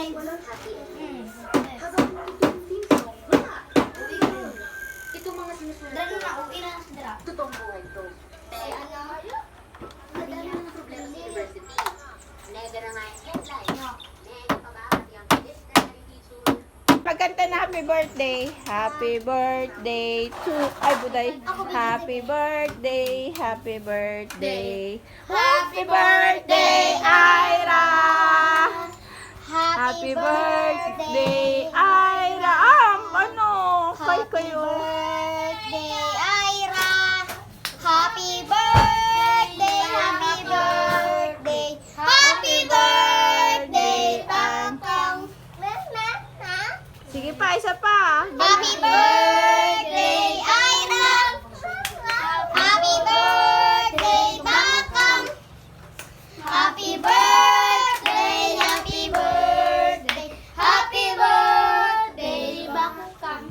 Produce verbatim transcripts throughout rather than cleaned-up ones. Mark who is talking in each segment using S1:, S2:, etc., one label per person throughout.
S1: Happy
S2: Hmm.
S1: Habang itong theme song, wala. Itong mga sinusunod
S2: Dara
S1: ko,
S2: na, uwi na sa dara.
S1: totoong buhay to.
S2: Si ano?
S1: Madami na ng problema sa university. Nega na nga yung headline.
S2: No.
S1: Nega pa ba at yung discretionary feature?
S3: Magkanta na happy birthday. Happy birthday to... Ay, buday. Happy birthday, happy birthday. Happy birthday, Ira! Happy birthday, Ira! Ah, ano? Kay kayo.
S2: Birthday, Ira! Happy birthday! Happy birthday! Happy birthday, Tangtang!
S3: Sige pa, isa pa.
S2: Happy birthday, Ira! Happy birthday, Bakang! Happy birthday, happy birthday, happy birthday, Bakang!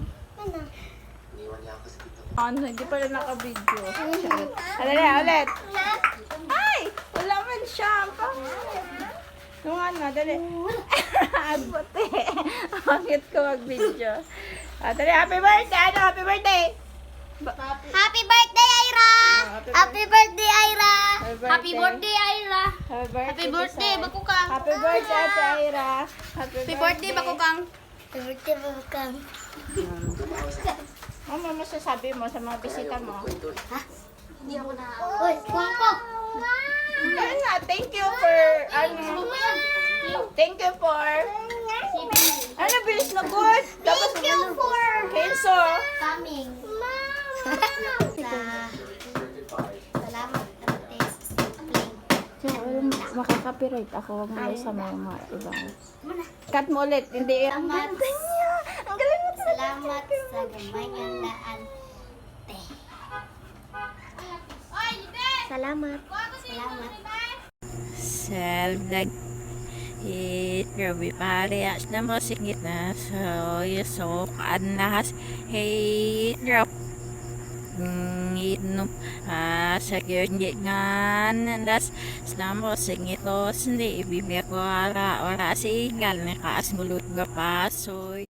S3: Ano, hindi pala naka-video. Charot. Alala, ulit. Ay! Wala man siya. Ang pangit. Yung ano, dali. Ang puti. Pangit ko mag-video. Ah, dali, happy birthday! Ano, happy birthday! Ba-
S2: Happy birthday, Ira!
S3: happy
S2: Happy birthday, Ira!
S3: Happy birthday.
S2: Ira!
S3: Happy birthday,
S2: Happy birthday,
S3: Tisay.
S2: Bakukang.
S3: Happy birthday, Ate Ira. Happy,
S2: Happy birthday, Bakukang. Happy birthday, Bakukang.
S3: Ano mo masasabi mo sa mga bisita mo?
S1: Hindi ako na...
S2: Uy, kumpok!
S3: Ayun nga, thank you for, ano, thank you for, ano, bilis na good. Tapos,
S2: Thank you for
S3: Kenzo.
S2: coming. Salamat, Ate.
S3: So, um, makaka-copyright ako. Huwag mo sa mga ibang. Cut mo ulit. Hindi. Ang
S2: Salamat.
S3: ganda niya. Ang galing mo talaga.
S2: Salamat sa gamay ng daan. Te. Salamat. Salamat.
S4: Seldag it grabe parehas na mo singit na so yusok anas hey drop ngitno ah sa gyud nga nandas na mo singit os hindi ibibya ko ara ora sigal na kaas mulot nga pasoy